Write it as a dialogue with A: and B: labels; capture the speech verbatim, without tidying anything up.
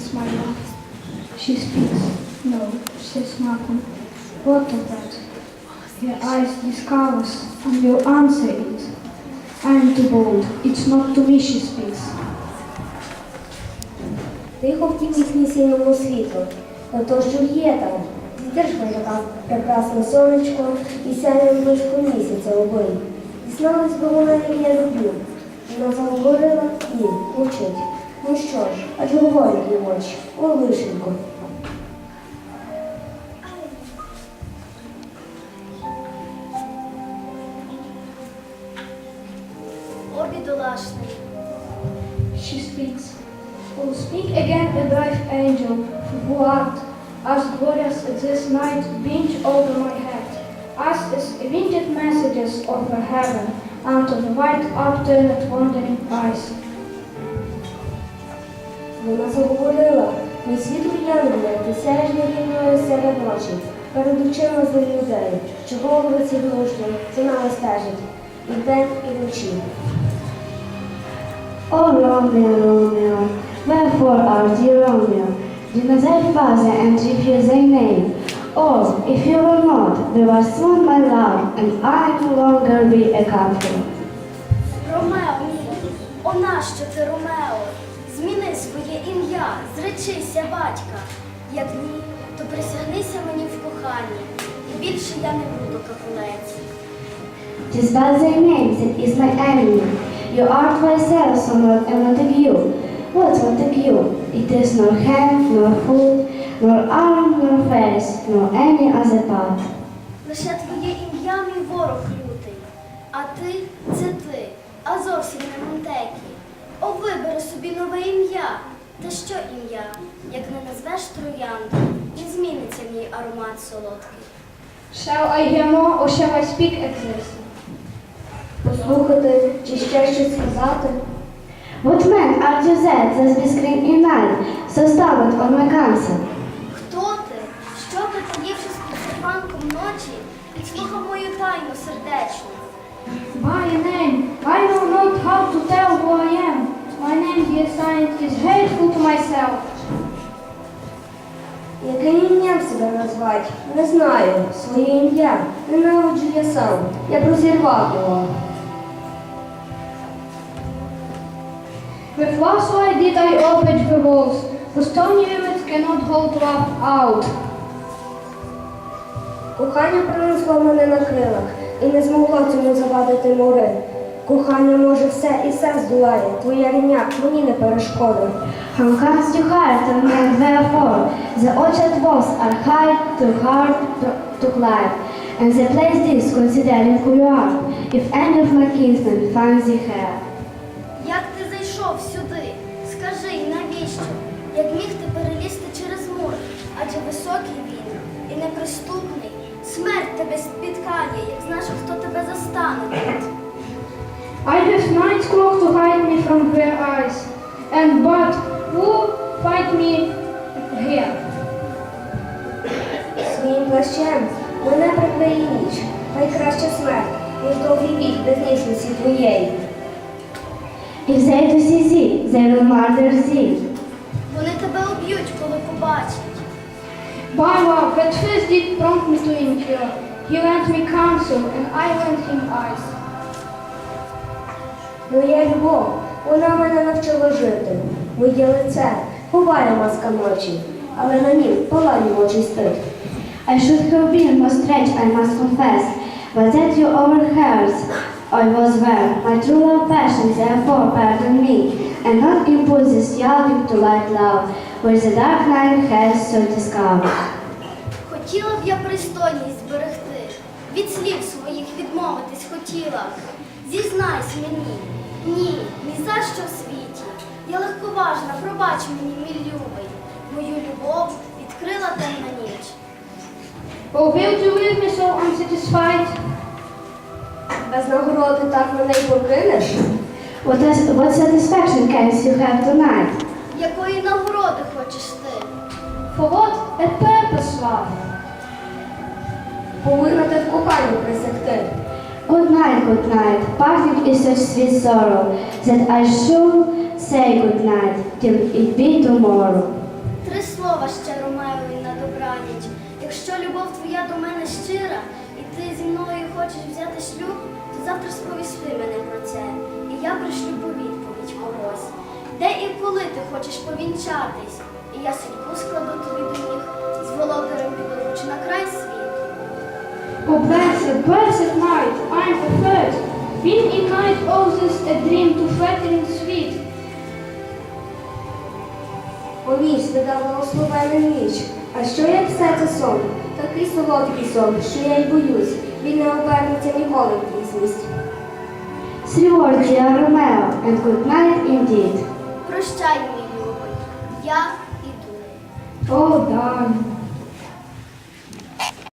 A: speaks, my love. She speaks. No, says nothing. What of that? Her eyes discovers, and your answer is, I am too bold. It's not to me she speaks.
B: Тихо втік їхній синьому світлу, на то, що є там. Зітержка така прекрасне сонечко і сяє близько місяця обоє. Дізналась би вона, як я люблю. Вона заговорила і мовчить. Ну що ж, аж говорять її очі. О, лишенько.
C: О, бідолашний.
A: She speaks. Oh, speak again, a bright angel, who art as glorious as this night binge over my head, as is winged messages over heaven, unto the white upturned wandering eyes.
B: Вона заговорила. Мій світ уявлення, ти сяєш нерівною серед ночі, перед очима з людей, чого вулиці глушно, за нами стежить, і вдень, і вночі.
D: O Romeo, Romeo, wherefore art thou Romeo? Do not thy father and refuse thy name. Oh, if you will not, thou art soon my love, and I no longer be a captive.
C: Ромео, мій, о нащо ти, Ромео? Зміни своє ім'я, зречися батька. Як ні, то присягнися мені в коханні, і більше я не буду капулець.
D: Tis but thy name that is my enemy. You art thyself somewhat a Montague. What Montague? It is nor hand, nor foot, nor arm, nor face, nor any other part.
C: Лише твоє ім'я, мій ворог лютий, а ти – це ти, а зовсім не Монтекі. О, вибери собі нове ім'я. Та що ім'я, як не назвеш троянду, і зміниться мій аромат солодкий.
A: Shall I hear more, or shall I speak at this?
B: Послухати чи ще щось сказати?
D: What man art you that thus be screen in night, so stumbled on my counsel?
C: Хто ти? Що ти, таївшись під серпанком ночі, підслухав мою тайну сердечну?
A: By a name, I know not how to tell who I am. My name, dear science, is hateful to myself.
B: Яким ім'ям себе назвати? Не знаю. Своє ім'я. Ненавиджу я сам. Я розірвав його.
A: With last I did I open the walls, for stony limits cannot hold love out.
B: Кохання принесло мене на крилах, і не змогло цьому завадити мури. Кохання може все і все здолає, твоя рівня мені не перешкода.
D: How comes you hard on me and wherefore? The orchard walls are high, too hard to, to climb, and the place is considering who you are, if any of my kinsmen finds thee here.
C: Як ти зайшов сюди? Скажи, навіщо? Як міг ти перелізти через мур? Адже високий він і неприступний. Смерть тебе спіткає, як знаєш, хто тебе застане тут.
A: I have night's cloak to hide me from their eyes, and but who fight me here?
B: Своїм плащем мене прикриє ніч, хай краще смерть, ніж довгий вік без ніжності твоєї.
D: If they do see thee, they will murder thee.
C: Вони тебе уб'ють, коли побачать.
A: By love that first did prompt me to endure, he lent me counsel, and I lent him eyes.
B: Моя любов, вона мене навчила жити. Моє лице ховає маска ночі, але на нім палає очі стид.
D: I should have been more strange, I must confess, but that you overheard I was well. My true love passion, therefore pardon me, and not impose this yearning to light love, which the dark night has so discovered.
C: Хотіла б я пристойність зберегти, від слів своїх відмовитись хотіла. Зізнайся мені, ні, ні за що в світі. Я легковажна, пробач мені, мій любий. Мою любов відкрила темна ніч.
A: Oh, will you leave me so unsatisfied?
B: Без нагороди так мене й покинеш?
D: What, is, what satisfaction canst you have tonight?
C: Якої нагороди хочеш ти?
A: For what a purpose, love?
B: Повинна ти в коханні присягти.
D: Good night, good night. Parting is such sweet sorrow that I should say good night till it be tomorrow.
C: слова ще Ромеові на добраніч. Якщо любов твоя до мене щира, і ти зі мною хочеш взяти шлюб, то завтра сповісти мене про це, і я пришлю по відповідь когось. Де і коли ти хочеш повінчатись, і я судьбу складу тобі до ніг, з володарем піду на край світу.
A: Oh, blessed, blessed night, I'm preferred. Been in night all this a dream to flattering sweet.
B: О ніч, видав благословену ніч. А що як все це сон? Такий солодкий сон, що я й боюсь. Він не обернеться ніколи в дійсність.
D: Three words, dear Romeo, and good night indeed.
C: Прощай, мій любий, я іду.
A: Oh, darling,